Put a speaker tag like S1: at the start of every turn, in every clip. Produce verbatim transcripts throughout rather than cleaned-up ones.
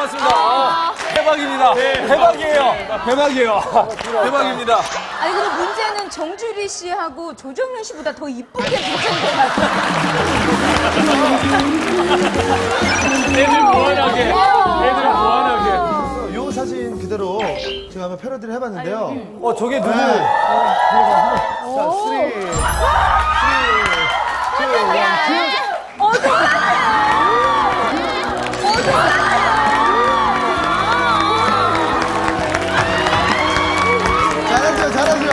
S1: 반갑습니다. 아, 대박입니다. 대박이에요. 대박이에요. 대박입니다.
S2: 아니 근데 문제는 정주리 씨하고 조정현 씨보다 더 이쁘게 붙은 것 같아요.
S1: 애들 무한하게. 애들 무한하게.
S3: 요 사진 그대로 제가 한번 패러디를 해봤는데요.
S1: 어, 저게 누구?
S3: 네. 자, 쓰리, 쓰리, 투, 원, 잘하죠, 잘하죠.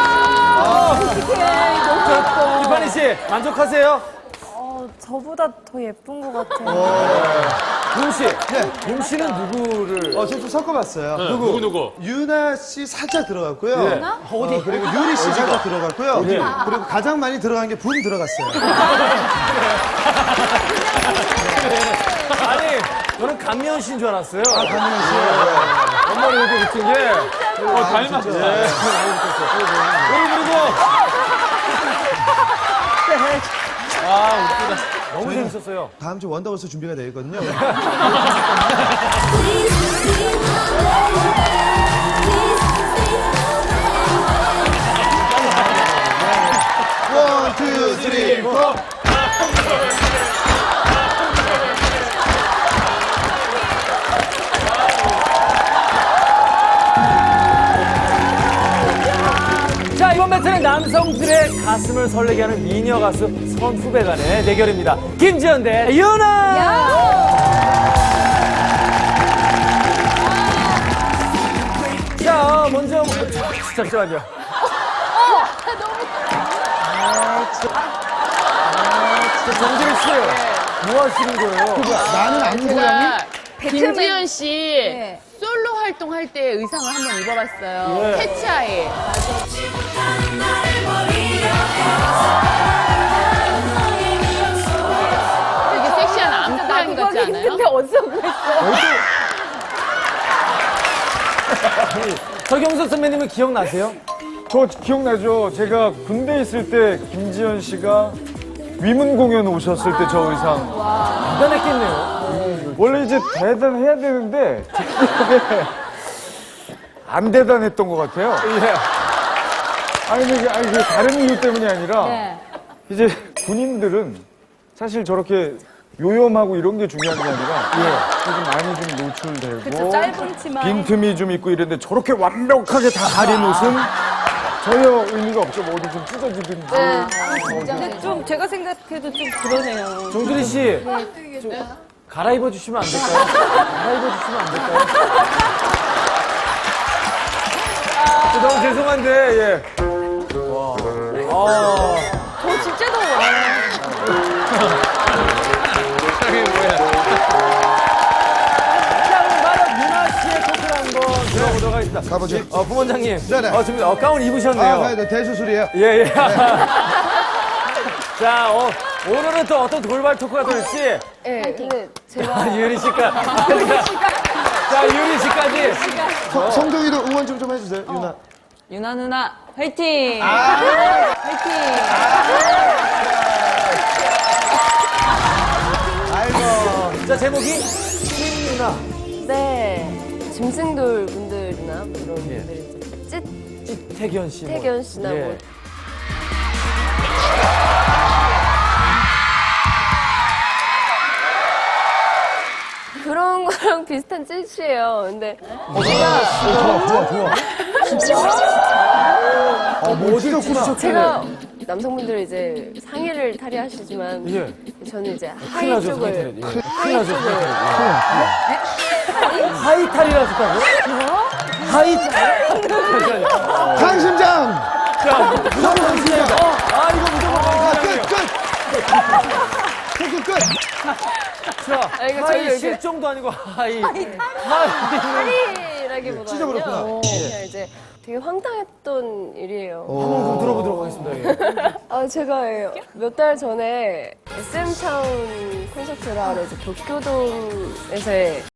S1: 이판희 씨, 만족하세요?
S4: 어, 저보다 더 예쁜 것 같아요.
S1: 용 씨. 용 씨는 누구를?
S3: 어, 저 좀 섞어봤어요.
S1: 누구, 누구?
S3: 유나 씨 살짝 들어갔고요.
S1: 네.
S3: 어디? 그리고 유리 씨 살짝 들어갔고요. 그리고 가장 많이 들어간 게 붐 들어갔어요.
S1: 아니, 저는 감미연 씨인 줄 알았어요.
S3: 아, 강민현 씨.
S1: 엄마를 이렇게 붙은 게. 어, 닮았죠. 네. 그리고, 그리고. 아, 웃기다. 너무 재밌었어요.
S3: 다음 주 원더걸스 준비가 되어 있거든요. 원, 투, 쓰리, 포.
S1: 자, 이번 배틀은 남성들의 가슴을 설레게 하는 미녀 가수 선후배 간의 대결입니다. 김지현 대 유나! 자, 먼저, 잠시만요. 정지리 씨, 뭐 하시는 거예요?
S3: 나는 안 고양이?
S5: 김지현 씨
S2: 네.
S5: 솔로 활동할 때 의상을 한번 입어봤어요.
S1: 네.
S5: 캐치아이. 되게 섹시한 암고양이 같지 않아요?
S4: 근데 어디서 구했어?
S1: 서경석 선배님은 기억나세요?
S6: 저 기억나죠? 제가 군대 있을 때 김지현 씨가 위문 공연 오셨을 때 저 의상.
S1: 대단했겠네요.
S6: 원래 이제 대단해야 되는데 제 기억에 안 대단했던 것 같아요.
S1: 예.
S6: 아니, 이게, 아니, 그게 다른 이유 때문이 아니라
S2: 네.
S6: 이제 군인들은 사실 저렇게 요염하고 이런 게 중요한 게 아니라 좀 많이 좀 노출되고
S4: 그쵸, 짧은 치마.
S6: 빈틈이 좀 있고 이랬는데 저렇게 완벽하게 다 가린 옷은 전혀 의미가 없죠. 뭐 어디 좀 찢어지든지.
S4: 근데 좀 제가 생각해도 좀 그러네요.
S1: 정준희 씨, 좀 갈아입어 주시면 안 될까요? 갈아입어 주시면 안 될까요? 너무 죄송한데, 예. 와. 아.
S4: 저 진짜 더워요.
S1: 자, 그럼 바로 유나 씨의 토크를 한번 들어보도록 하겠습니다.
S3: 가보죠.
S1: 어, 부원장님.
S3: 네네.
S1: 어, 지금 어, 가운 입으셨네요.
S3: 아, 네, 대수술이에요.
S1: 예, 예. 자, 어, 오늘은 또 어떤 돌발 토크가 될지.
S4: 네, 근데 제가
S1: 아, 유리 씨가. 자, 유리 씨까지.
S3: 성- 성동이도 응원 좀 좀 해주세요, 유나.
S4: 유나 누나 화이팅! 화이팅!
S3: 아이고.
S1: 자, 제목이 신유나.
S4: 네, 짐승돌 분들이나 뭐 이런
S1: 예.
S4: 분들이 이제 찢
S1: 태견 씨. 뭐.
S4: 태견 씨나
S1: 예.
S4: 뭐 그런 거랑 비슷한 찢이에요. 근데
S3: 좋아, 좋아. 어, 뭐 찢었구나.
S4: 제가 남성분들은 이제 상의를 탈의하시지만
S1: 예.
S4: 저는 이제
S1: 큰일
S4: 하의
S1: 나죠,
S4: 쪽을
S1: 상의탈이. 예. 큰일
S4: 하의
S1: 나죠,
S4: 쪽을
S1: 상의탈이. 하이탈이라 하셨다고요? 하이탈?
S3: 강심장!
S1: 자, 무조건 강심장이다. 아, 이거 무조건
S3: 아,
S1: 강심장이에요.
S3: 끝, 끝! 토크 끝!
S1: 자,
S4: 아, 이거
S1: 하이
S4: 저희 이렇게-
S1: 실종도 아니고 하이. 하이.
S4: 탈의라기보다는요.
S3: 찢어버렸구나.
S4: 그냥 이제 되게 황당했던 일이에요.
S1: 한번 좀 들어보도록 하겠습니다. 예.
S4: 아, 제가 몇 달 전에 에스엠타운 콘서트를 하러 이제 도쿄돔에서